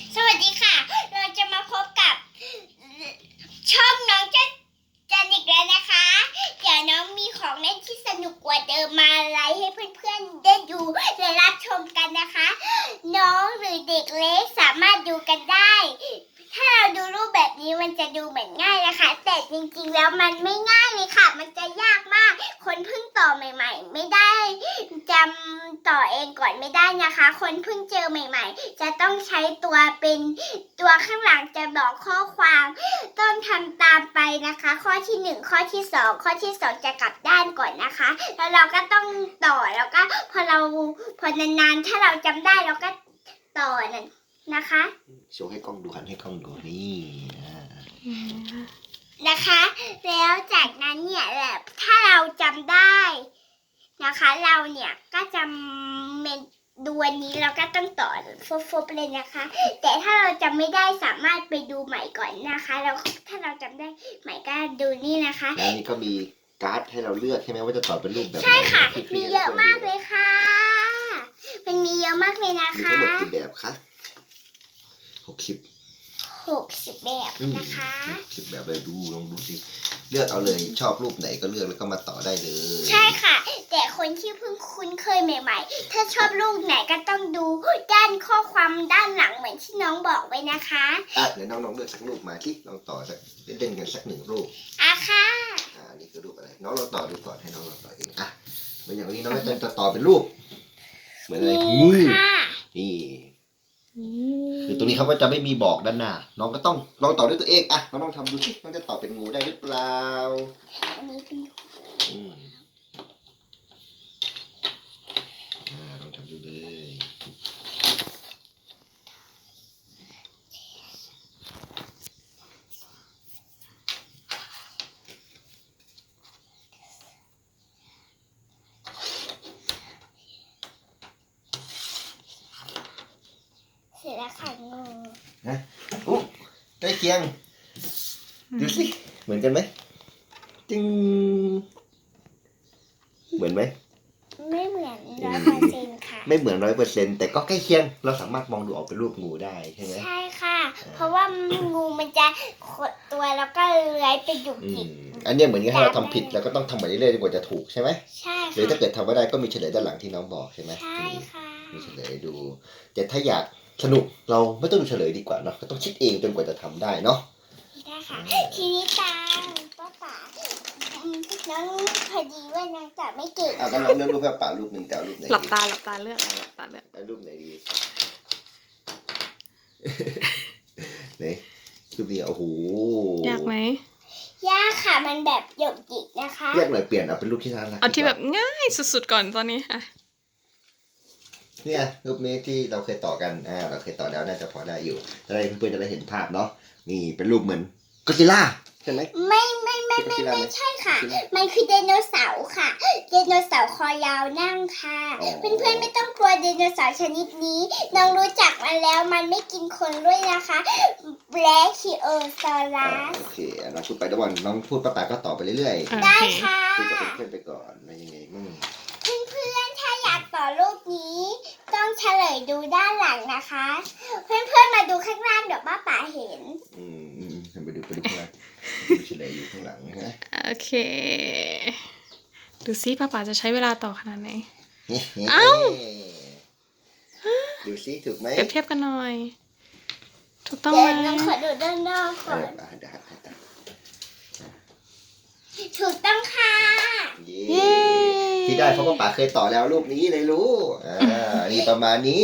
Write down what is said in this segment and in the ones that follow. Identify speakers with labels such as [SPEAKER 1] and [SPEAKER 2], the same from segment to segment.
[SPEAKER 1] สวัสดีค่ะเราจะมาพบกับช่องน้องจันอีกแล้วนะคะเดี๋ยวน้องมีของเล่นที่สนุกกว่าเดิมมาไลฟ์ให้เพื่อนๆได้ดูและรับชมกันนะคะ น้องหรือเด็กเล็กสามารถดูกันได้ถ้าเราดูรูปแบบนี้มันจะดูเหมือนง่ายนะคะแต่จริงๆแล้วมันไม่ง่ายเลยค่ะมันจะยากมากคนเพิ่งต่อใหม่ๆไม่ได้จำต่อเองก่อนไม่ได้นะคะคนเพิ่งเจอใหม่ๆจะต้องใช้ตัวเป็นตัวข้างหลังจะบอกข้อความต้องทำตามไปนะคะข้อที่1ข้อที่2ข้อที่2จะกลับด้านก่อนนะคะแล้วเราก็ต้องต่อแล้วก็พอนานๆถ้าเราจำได้เราก็ต่อนั่นนะคะ
[SPEAKER 2] โชว์ให้กล้องดูหันให้กล้องดูนี่
[SPEAKER 1] นะคะแล้วจากนั้นเนี่ยแบบถ้าเราจำได้นะคะเราเนี่ยก็จะดูวันนี้เราก็ต้องต่อฟุบๆเลยนะคะแต่ถ้าเราจำไม่ได้สามารถไปดูใหม่ก่อนนะคะแล้วถ้าเราจำได้ใหม่ก็ดูนี่นะคะ
[SPEAKER 2] แล้วนี่ก็มีการ์ดให้เราเลือกใช่ไหมว่าจะต่อเป็นรูปแบบไหน
[SPEAKER 1] ใช่ค่ะมีเยอะมากเลยค่ะมันมีเยอะมากเลยนะคะ
[SPEAKER 2] มีทั้งหมดกี่แบบคะ60
[SPEAKER 1] แบบนะคะ
[SPEAKER 2] 60แบบเลยลองดูสิเลือกเอาเลยชอบรูปไหนก็เลือกแล้วก็มาต่อได้เลย
[SPEAKER 1] ใช่ค่ะแต่คนที่เพิ่งคุ้นเคยใหม่ๆถ้าชอบรูปไหนก็ต้องดูด้านข้อความด้านหลังเหมือนที่น้องบอกไว้นะคะ
[SPEAKER 2] เดี๋ยวน้องๆเลือกสักรูปมาที่ลองต่อสักเล่นกันสัก1รูป
[SPEAKER 1] ค่ะ
[SPEAKER 2] นี่คือรูปอะไรน้องลองต่อดูก่อนให้น้องลองต่อเองเหมือนอย่างนี้น้องจะต่อเป็นรูปเหมือนอะไรนี่คือตรงนี้เขาก็จะไม่มีบอกด้านหน้าน้องก็ต้องลองต่อด้วยตัวเองน้องลองทำดูสิน้องจะต่อเป็นงูได้หรือเปล่า
[SPEAKER 1] อันนี้เป็น
[SPEAKER 2] ลองทำดูเลย
[SPEAKER 1] เสร็จแล้วค่ะงู
[SPEAKER 2] ใกล้เคียงดูสิเหมือนกันไหมจริงเหมือนไหม
[SPEAKER 1] ไม่เหมือน100%ค่ะ
[SPEAKER 2] ไม่เหมือน100%แต่ก็ใกล้เคียงเราสามารถมองดูออกเป็นรูปงูได้ใช่ไหม
[SPEAKER 1] ใช่ค่ะเพราะว่างูมันจะขดตัวแล้วก็เลื้อยไปอยู่จิก
[SPEAKER 2] อันนี้เหมือนกับถ้าเราทำผิดเราก็ต้องทำไปเรื่อยๆจนกว่าจะถูกใช่ไหม
[SPEAKER 1] ใช่ค่ะ
[SPEAKER 2] หรือถ้าเกิดทำไม่ได้ก็มีเฉลยด้านหลังที่น้องบอกใช่ไหม
[SPEAKER 1] ใช่ค่ะ
[SPEAKER 2] มีเฉลยดูแต่ถ้าอยากสนุกเราไม่ต้องดูเฉลยดีกว่าเนาะก็ต้องคิดเองจนกว่าจะทำได้เนาะ
[SPEAKER 1] ได้ค่ะทีนี้ตาป้าป๋าน้องพอดีว่าน้องจะไม่เก่ง
[SPEAKER 2] ก็ลองเลือกรูปแบบป่ารูปหนึ่งแต่รูปไหน
[SPEAKER 3] หลับตาเลือกอะไรหลับตาเลือก
[SPEAKER 2] รูปไหนดีไหนรูปนี้โอ้โห
[SPEAKER 3] ยากไหม
[SPEAKER 1] ยากค่ะมันแบบหยกหยิกนะคะ
[SPEAKER 2] ยากหน่อยเปลี่ยนเอาเป็นรูปที่น่ารัก
[SPEAKER 3] เอาที่แบบง่ายสุดๆก่อนตอนนี้ค่ะ
[SPEAKER 2] เนี่ยรูปนี้ที่เราเคยต่อกันเราเคยต่อแล้วน่าจะพอได้อยู่จะได้เพื่อนๆจะได้เห็นภาพเนาะนี่เป็นรูปเหมือนก็อดซิลล่าใช่ไหม
[SPEAKER 1] ไม่ใช่ค่ะมันคือไดโนเสาร์ค่ะไดโนเสาร์คอยาวนั่งค่ะเพื่อนๆไม่ต้องกลัวไดโนเสาร์ชนิดนี้น้องรู้จักมันแล้วมันไม่กินคนด้วยนะคะแบล็คคิโอซอรัส
[SPEAKER 2] โอเคน้องพูดไปทุกวันน้องพูดป้าก็ต่อไปเรื่อย
[SPEAKER 1] ๆได้ค่ะ
[SPEAKER 2] คุยกับเพื่อนๆไปก่อนว่ายังไงมั่ง
[SPEAKER 1] เพื่อนๆถ้าอยากต่อรูปนี้ต้องเฉลยดูด้านหลังนะคะเพื่อนๆมาดูข้างล่างเดี๋ยวป้าป๋าเห็น
[SPEAKER 2] ไปดูข้างล่างเฉลยอยู่ข้างหลังนะ
[SPEAKER 3] โอเคดูซิป้าจะใช้เวลาต่อขนาดไหน
[SPEAKER 2] ดูซิถูกไหม
[SPEAKER 3] เปรียบเทียบกันหน่อยถูกต้องไหม
[SPEAKER 1] ต้องขอดูด้านนอกก่อนถูกต้องค่ะ
[SPEAKER 2] ที่ได้เพราะป้าเคยต่อแล้วรูปนี้เลยรู้นี่ประมาณนี้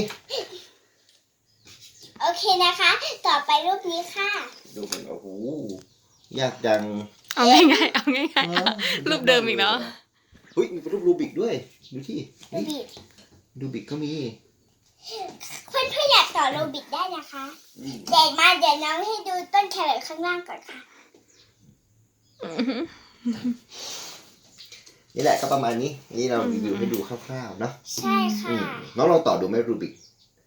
[SPEAKER 1] โอเคนะคะต่อไปรูปนี้ค่ะ
[SPEAKER 2] รูปมันโอ้โหยากจัง
[SPEAKER 3] เอาง่ายรูปเดิมอีกเนาะ
[SPEAKER 2] มีรูปรูบิกด้วยดูที่รูบิกก็มี
[SPEAKER 1] เพื่อนอยากต่อรูบิกได้นะคะเดี๋ยวน้องให้ดูต้นแครอทข้างล่างก่อนค่ะ
[SPEAKER 2] นี่แหละก็ประมาณนี้นี่เรารีวิวให้ดูคร่าวๆเนาะ
[SPEAKER 1] ใช่ค่ะ
[SPEAKER 2] น้องลองต่อดูไหมรูบิก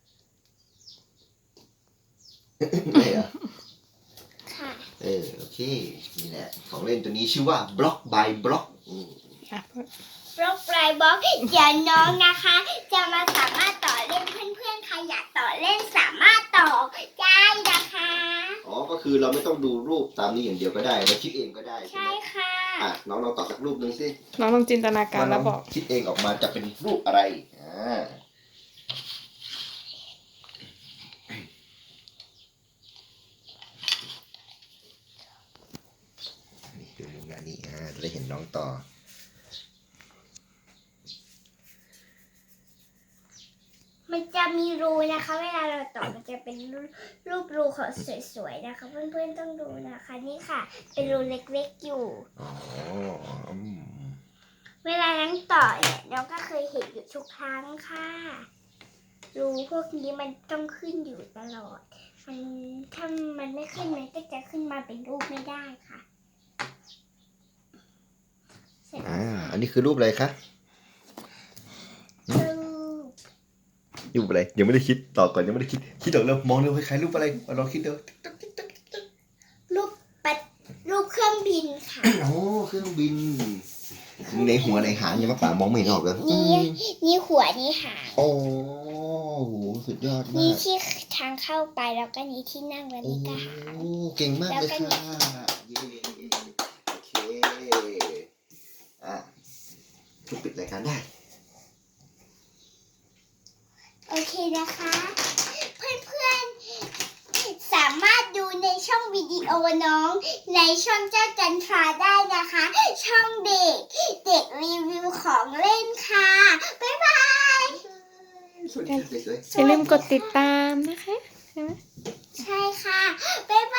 [SPEAKER 2] ไม่เหรอ
[SPEAKER 1] ค่ะ
[SPEAKER 2] โอเคนี่แหละของเล่นตัวนี้ชื่อว่า Block by Block
[SPEAKER 1] บล็อกปลายบล็อกเดี๋ยวน้องนะคะจะมาสามารถต่อเล่นเพื่อนๆใครอยากต่อเล่นสามารถต่อได้
[SPEAKER 2] คือเราไม่ต้องดูรูปตามนี้อย่างเดียวก็ได้เราคิดเองก็ได้ใช่
[SPEAKER 1] ใช่
[SPEAKER 2] ไหม
[SPEAKER 1] ค่ะ
[SPEAKER 2] อ่ะน้องลองต่อสักรูปหนึ่งสิ
[SPEAKER 3] น้องลองจินตนาการแล้วบอก
[SPEAKER 2] คิดเองออกมาจะเป็นรูปอะไรนี่ดูมุมนี้จะได้เห็นน้องต่อ
[SPEAKER 1] มันจะมีรูนะคะ เวลาเราต่อมันจะเป็นรูปรูของสวยๆนะคะ เพื่อนๆต้องดูนะคะ นี่ค่ะ เป็นรูเล็กๆอยู่
[SPEAKER 2] อ๋ออืม
[SPEAKER 1] เวลาน้องต่อเนี่ยน้องก็เคยเห็นอยู่ทุกครั้งค่ะ รูพวกนี้มันต้องขึ้นอยู่ตลอด ถ้ามันไม่ขึ้นมันก็จะขึ้นมาเป็นรูปไม่ได้ค่ะเสร็จแล้ว
[SPEAKER 2] อันนี้คือรูปอะไรคะ
[SPEAKER 1] รูป
[SPEAKER 2] รูปอะไรยังไม่ได้คิดต่อก่อนยังไม่ได้คิดออกแล้วมองเร็วคล้ายๆรูปอะไรลองคิดดู
[SPEAKER 1] รูปเครื่องบินค่ะ
[SPEAKER 2] โอ้เครื่องบินในหัวในหางยังมาป่ามองไม่เห็นออกเลย
[SPEAKER 1] นี่หัวนี่หาง
[SPEAKER 2] โอ้โหสุดยอดมา
[SPEAKER 1] นี่
[SPEAKER 2] ก
[SPEAKER 1] ที่ทางเข้าไปแล้วก็นี่ที่นั่งแล้ว
[SPEAKER 2] โอ้
[SPEAKER 1] นี่ก็หาง
[SPEAKER 2] เก่งมากเลย
[SPEAKER 1] แล้วก็
[SPEAKER 2] ค่ะเย้โอเคทุกปิดรายการได้
[SPEAKER 1] โอเคนะคะ เพื่อนๆสามารถดูในช่องวิดีโอน้องในช่องเจ้าจันทราได้นะคะ ช่องเด็กรีวิวของเล่นค่ะ บ๊ายบาย
[SPEAKER 2] สวัสดีค่ะสวยๆ
[SPEAKER 3] อย่าลืมกดติดตามนะคะใช่ไหม
[SPEAKER 1] ใช่ค่ะ บ๊ายบ